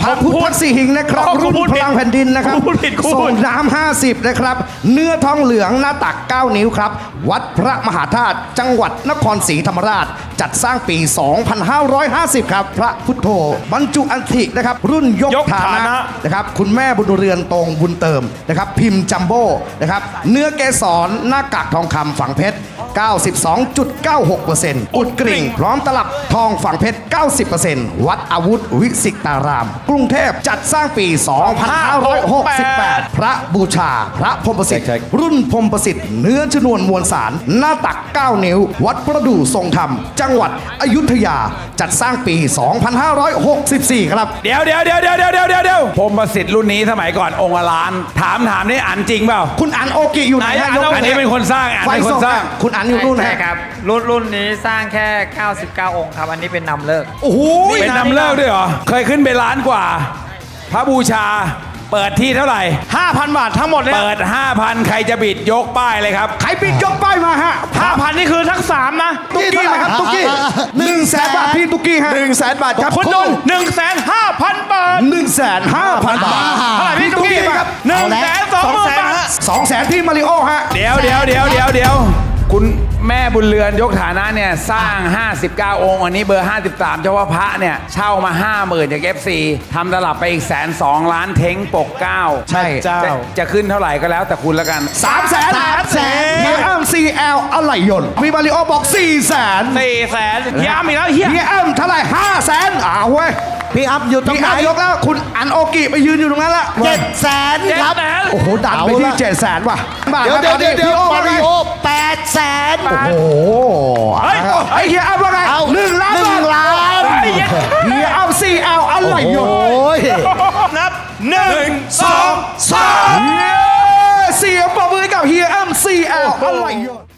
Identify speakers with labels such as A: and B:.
A: พระพุทธสี่หิงนะครับรุ่นพลังแผ่นดินนะครับส่งน้ำ50นะครับเนื้อทองเหลืองหน้าตัก9 นิ้วครับวัดพระมหาธาตุจังหวัดนครศรีธรรมราชจัดสร้างปี 2550 ครับพระพุทโธบรรจุอัฐินะครับรุ่นยกฐานะนะครับคุณแม่บุญเรือนตรงบุญเติมนะครับพิมพ์จัมโบ้นะครับเนื้อเกสรหน้ากากทองคำฝังเพชร 92.96% อุดกริ่งพร้อมตลับทองฝังเพชร 90% วัดอาวุธวิสิตาราม กรุงเทพจัดสร้างปี 2568 พระบูชาพระพรหมประสิทธิ์รุ่นพรหมประสิทธิ์เนื้อชนวนมวลสารหน้าตัก 9 นิ้ว วัดประดู่ทรงธรรม จังหวัดอยุธยาจัดสร้างปี 2564 ครับ
B: เดี๋ยวพรหมประสิทธิ์รุ่นนี้สมัยก่อนองค์ละล้านถามนี่อ่านจริงเปล่า
A: คุณอันโอกิอยู่ไหนฮะ
B: อันนี้เป็นคนสร้าง
A: เป็นคนสร้างคุณอันอยู่นู่น
C: ใช่ครับรุ่นนี้สร้างแค่ 99 องค์ครับอันนี้เป็นนำเลิก
A: โอ้โห
B: เป็นนำเลิกด้วยเหรอเคยขึ้นไปล้านกว่าพระบูชาเปิดที่เท่าไหร่
A: 5,000 บาททั้งหมดเลย
B: เปิด 5,000 ใครจะบิดยกป้ายเลยครับ
A: ใครบิดยกป้ายมาฮะ
D: 5,000 นี่คือทั้ง3นะ
A: ตุ๊กกี้ครับตุ๊กกี้100,000 บาทพี่ตุ๊กกี้ฮะ100,000 บาทครับ
D: คุณนนท์150,000 บาท
A: 150,000 บาท
D: เท่าไหร่พี่ตุ๊กกี้ครับ120,000 บาท
A: 200,000พี่มาริโอฮะ
B: เดี๋ยวคุณแม่บุญเรือนยกฐานะเนี่ยสร้าง 59 องค์อันนี้เบอร์ 53เฉพาะพระเนี่ยเช่ามา 50,000 จาก FC ทำตลับไปอีก102,000 ล้านเท้งปก9
A: ใช่
B: จะขึ้นเท่าไหร่ก็แล้วแต่คุณละกัน
A: 300,000เฮียอ้ำ CL อะไรยนต์มีมาริโอบอก 400,000
D: เฮียอ้ำอีกแล้วเฮีย
A: อ้ำเท่าไหร่ 500,000เว้ย
E: พี่อัพอยู่ตรงไหน
A: ยกแล้วคุณอันโอกิไปยืนอยู่ตรงนั้นละ
E: 700,000ครับ
A: โอ้โหดันไปที่700,000ว่ะ
E: เดี๋ยวมาริโอ800,000
A: โอ้โหไอ้เฮียอ้ำว่าไง1 ล้านเฮียอ้ำ CL อะไรยนต์
D: นับ1 2 3
A: เสียงปรบมือกับเฮียอ้ำ CL อะไรยนต์